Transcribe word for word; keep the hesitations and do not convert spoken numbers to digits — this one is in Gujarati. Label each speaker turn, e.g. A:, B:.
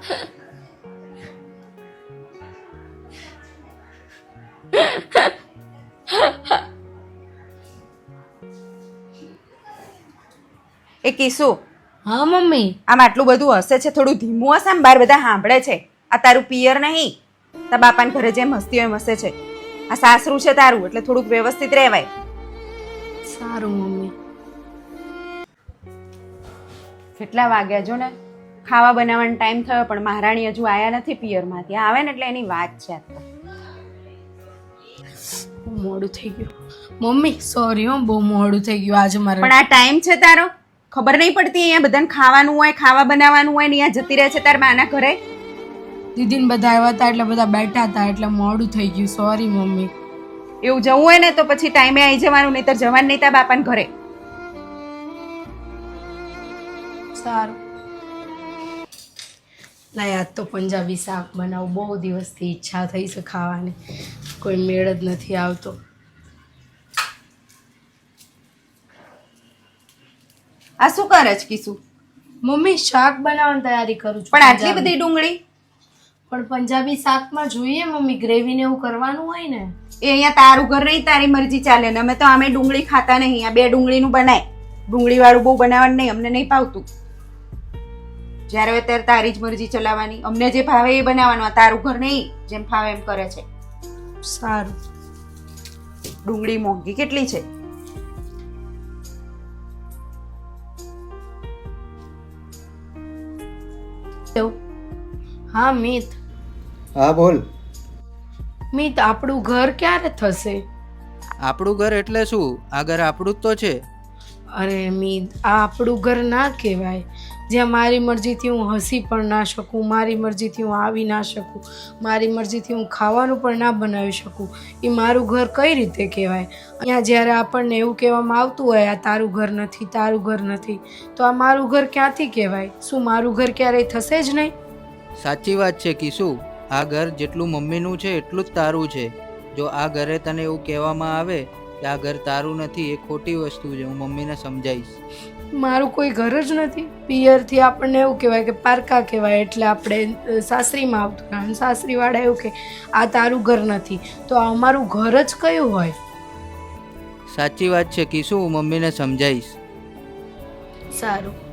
A: એ કિસુ,
B: હા મમ્મી.
A: આમ આટલું બધું હશે છે, થોડું ધીમું હશે, આમ બાર બધા સાંભળે છે. આ તારું પિયર નહીં, તારા બાપાને ઘરે જેમ હસતી હોય એમ હસે છે. આ સાસરું છે તારું, એટલે થોડુંક વ્યવસ્થિત રહેવાય.
B: સારું મમ્મી.
A: કેટલા વાગ્યા જો ને, ખાવા બનાવવાનો ટાઈમ થયો પણ મહારાણી હજુ આયા નથી પિયરમાંથી. આવે ને એટલે એની વાત છે.
B: મોડું થઈ ગયું મમ્મી, સોરી હો, બહુ મોડું થઈ ગયું આજે મારે.
A: પણ આ ટાઈમ છે તારો, ખબર નહીં પડતી અહીંયા બધાને ખાવાનું હોય, ખાવા બનાવવાનું હોય ને અહીંયા જતી રહે છે તાર માના ઘરે.
B: દીદીને બધા આવ્યા હતા એટલે બધા બેઠા હતા એટલે મોડું થઈ ગયું, સોરી મમ્મી.
A: એવું જવું હોય ને તો પછી ટાઈમે આવી જવાનું, નહીતર જવાનું નહીં તાર બાપાને ઘરે.
B: સારું. લાય આજ તો પંજાબી શાક બનાવું, બહુ દિવસથી ઈચ્છા થઈ છે ખાવાની, કોઈ મેળ જ નથી આવતો.
A: આ શું કરે છે કિસુ?
B: મમ્મી શાક બનાવવાની તૈયારી કરું છું.
A: પણ આટલી બધી ડુંગળી?
B: પણ પંજાબી શાકમાં જોઈએ મમ્મી, ગ્રેવી ને એવું કરવાનું હોય ને.
A: એ અહીંયા તારું ઘર નહીં, તારી મરજી ચાલે ને. અમે તો આમે ડુંગળી ખાતા નહીં. આ બે ડુંગળીનું બનાય, ડુંગળી વાળું બહુ બનાવવાનું નહીં, અમને નહીં ભાવતું. જ્યારે હોય ત્યારે તારી જ મરજી ચલાવવાની, અમને જે ભાવે એ બનાવવાનું. આ તારું ઘર નહીં, જેમ ફાવે એમ કરે છે.
B: સારું.
A: ડુંગળી મોંઘી કેટલી છે?
B: હા મિત.
C: હા બોલ.
B: મિત, આપણું ઘર ક્યારે થશે?
C: આપણું ઘર એટલે શું? આ ઘર આપણું જ તો છે.
B: અરે મિત, આ આપણું ઘર ના કહેવાય, જ્યાં મારી મરજીથી હું હસી પણ ના શકું, મારી મરજીથી હું આવી ના શકું, મારી મરજીથી હું ખાવાનું પણ ના બનાવી શકું. એ મારું ઘર કઈ રીતે કહેવાય? અહીંયા જ્યારે આપણને એવું કહેવામાં આવતું હોય આ તારું ઘર નથી, તારું ઘર નથી, તો આ મારું ઘર ક્યાંથી કહેવાય? શું મારું ઘર ક્યારેય થશે જ નહીં?
C: સાચી વાત છે કિસુ, આ ઘર જેટલું મમ્મીનું છે એટલું જ તારું છે. જો આ ઘરે તને એવું કહેવામાં આવે કે આ ઘર તારું નથી, એ ખોટી વસ્તુ છે. હું મમ્મીને સમજાવીશ.
B: મારું કોઈ ઘર જ નથી. પિયરથી આપણને એવું કહેવાય કે પારકા કહેવાય, એટલે આપણે સાસરીમાં આવતું હોય, સાસરીવાળા એવું કે આ તારું ઘર નથી, તો આ અમારું ઘર જ કયું હોય?
C: સાચી વાત છે કિસુ, હું મમ્મીને સમજાવીશ.
B: સારું.